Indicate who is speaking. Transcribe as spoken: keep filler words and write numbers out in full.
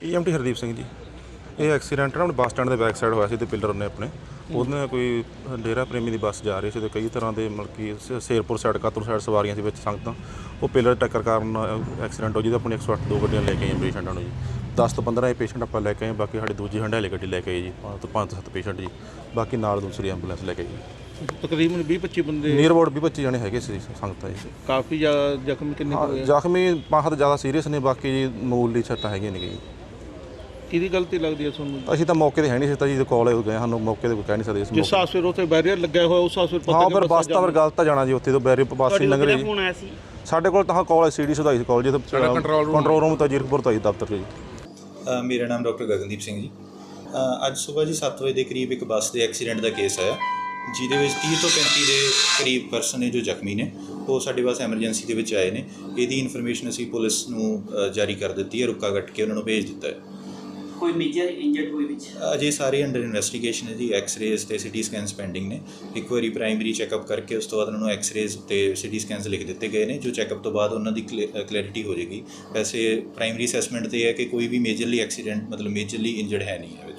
Speaker 1: ਈ M T Hardeep Singh ji. ਇਹ accident ਨਾ bus stand ਦੇ ਬੈਕ ਸਾਈਡ ਹੋਇਆ ਸੀ ਤੇ ਪਿੱਲਰ ਨੇ ਆਪਣੇ ਉਹਦੇ ਨਾਲ ਕੋਈ ਡੇਰਾ ਪ੍ਰੇਮੀ ਦੀ ਬੱਸ ਜਾ ਰਹੀ ਸੀ ਤੇ ਕਈ ਤਰ੍ਹਾਂ ਦੇ ਮਤਲਬ ਕਿ ਸ- ਸ਼ੇਰਪੁਰ ਸਾਈਡ ਕਾਤੂਰ ਸਾਈਡ ਸਵਾਰੀਆਂ ਸੀ ਵਿੱਚ ਸੰਗਤਾਂ। ਉਹ ਪਿੱਲਰ ਟੱਕਰ ਕਾਰਨ ਐਕਸੀਡੈਂਟ ਹੋ ਜਿਹਦੇ ਆਪਣੇ ਇੱਕ ਸੌ ਅੱਠ ਦੋ ਗੱਡੀਆਂ ਲੈ ਕੇ ਆਈਆਂ ਪੇਸ਼ੈਂਟਾਂ ਨੂੰ ਜੀ। ਦਸ ਤੋਂ ਪੰਦਰਾਂ ਇਹ ਪੇਸ਼ੈਂਟ ਆਪਾਂ ਲੈ ਕੇ ਆਏ, ਬਾਕੀ ਸਾਡੀ ਦੂਜੀ ਹੰਡਿਆਲੇ ਗੱਡੀ ਲੈ ਕੇ ਆਈ ਜੀ। ਪੰਜ ਤੋਂ ਪੰਜ ਤੋਂ ਸੱਤ ਪੇਸ਼ੈਂਟ ਜੀ, ਬਾਕੀ ਨਾਲ ਦੂਸਰੀ ਐਂਬੂਲੈਂਸ ਲੈ ਕੇ ਆਈ।
Speaker 2: ਤਕਰੀਬਨ ਵੀਹ ਪੱਚੀ ਬੰਦੇ
Speaker 1: ਨੀਅਰ ਅਬਾਊਟ ਵੀਹ ਪੱਚੀ ਜਣੇ ਹੈਗੇ ਸੀ ਸੰਗਤਾਂ ਜੀ।
Speaker 2: ਕਾਫੀ ਜ਼ਿਆਦਾ ਜ਼ਖਮ ਕਿੰਨੇ ਕੁ
Speaker 1: ਹਾਂ,
Speaker 2: ਹੋਏ ਆ?
Speaker 1: ਜ਼ਖਮੀ ਬਹੁਤ ਜ਼ਿਆਦਾ ਸੀਰੀਅਸ ਨੇ, ਬਾਕੀ ਜੀ ਮਾਮੂਲੀ ਸੱਟਾਂ ਹੈਗੀਆਂ ਨੇ ਜੀ।
Speaker 2: ਕਿਹਦੀ ਗਲਤੀ ਲੱਗਦੀ ਹੈ ਤੁਹਾਨੂੰ?
Speaker 1: ਅਸੀਂ ਤਾਂ ਮੌਕੇ 'ਤੇ ਹੈ ਨਹੀਂ ਸੀ ਤਾਂ ਜੀ ਕਾਲ ਗਏ, ਸਾਨੂੰ ਮੌਕੇ 'ਤੇ ਕੋਈ ਕਹਿ ਨਹੀਂ ਸਕਦੇ ਇਸ
Speaker 2: ਜਿਸ
Speaker 1: ਮੌਕੇ।
Speaker 2: ਹਾਦਸੇ ਉੱਥੇ ਬੈਰੀਅਰ ਲੱਗਿਆ ਹੋਇਆ ਉਸ ਹਾਦਸੇ ਪਤਾ
Speaker 1: ਹਾਂ,
Speaker 2: ਨਹੀਂ
Speaker 1: ਫਿਰ ਬੱਸ ਤਾਂ ਫਿਰ ਗਲਤ ਤਾਂ ਜਾਣਾ ਜੀ, ਉੱਥੇ ਤੋਂ ਬੈਰੀ ਬੱਸ ਨਹੀਂ ਲੰਘ ਰਹੀ ਜੀ।
Speaker 3: ਫੋਨ ਆਇਆ ਸੀ
Speaker 1: ਸਾਡੇ ਕੋਲ ਤਾਂ ਕਾਲ ਸੀ ਡੀ ਸੁਧਾਈ ਸੀ ਕਾਲ ਜੀ, ਕੰਟਰੋਲ ਰੂਮ ਤਾਂ ਜੀਰਕਪੁਰ ਤੋਂ ਜੀ ਦਫ਼ਤਰ 'ਚ ਜੀ।
Speaker 4: ਅ, ਮੇਰਾ ਨਾਮ ਡਾਕਟਰ ਗਗਨਦੀਪ ਸਿੰਘ ਜੀ। ਅ, ਅੱਜ ਸਵੇਰ ਜੀ ਸੱਤ ਵਜੇ ਦੇ ਕਰੀਬ ਇੱਕ ਬੱਸ ਦੇ ਐਕਸੀਡੈਂਟ ਦਾ ਕੇਸ ਆਇਆ, ਜਿਹਦੇ ਵਿੱਚ ਤੀਹ ਤੋਂ ਪੈਂਤੀ ਦੇ ਕਰੀਬ ਪਰਸਨ ਨੇ ਜੋ ਜ਼ਖਮੀ ਨੇ, ਉਹ ਸਾਡੇ ਪਾਸ ਐਮਰਜੈਂਸੀ ਦੇ ਵਿੱਚ ਆਏ ਨੇ। ਇਹਦੀ ਇਨਫੋਰਮੇਸ਼ਨ ਅਸੀਂ ਪੁਲਿਸ ਨੂੰ ਅ, ਜਾਰੀ ਕਰ ਦਿੱਤੀ ਹੈ, ਰੁਕਾ ਕੱਟ ਕੇ ਉਹਨਾਂ ਨੂੰ ਭੇਜ ਦਿੱਤਾ ਹੈ।
Speaker 3: ਕੋਈ ਮੇਜਰ ਇੰਜਰਡ ਹੋਏ ਵਿੱਚ?
Speaker 4: ਅਜੇ ਸਾਰੇ ਅੰਡਰ ਇਨਵੈਸਟੀਗੇਸ਼ਨ ਹੈ ਜੀ। ਐਕਸ-ਰੇਜ਼ ਤੇ ਸਿਟੀ ਸਕੈਨਸ ਪੈਂਡਿੰਗ ਨੇ। ਇੱਕ ਵਾਰੀ ਪ੍ਰਾਇਮਰੀ ਚੈੱਕਅਪ ਕਰਕੇ ਉਸ ਤੋਂ ਬਾਅਦ ਉਹਨਾਂ ਨੂੰ ਐਕਸ-ਰੇਜ਼ ਤੇ ਸਿਟੀ ਸਕੈਨਸ ਲਿਖ ਦਿੱਤੇ ਗਏ ਨੇ, ਜੋ ਚੈੱਕਅਪ ਤੋਂ ਬਾਅਦ ਉਹਨਾਂ ਦੀ ਕਲੈਰਿਟੀ ਹੋ ਜਾਏਗੀ। ਵੈਸੇ ਪ੍ਰਾਇਮਰੀ ਅਸੈਸਮੈਂਟ ਤੇ ਹੈ ਕਿ ਕੋਈ ਵੀ ਮੇਜਰਲੀ ਐਕਸੀਡੈਂਟ ਮਤਲਬ ਮੇਜਰਲੀ ਇੰਜਰਡ ਹੈ ਨਹੀਂ ਹੈ ਵਿੱਚ।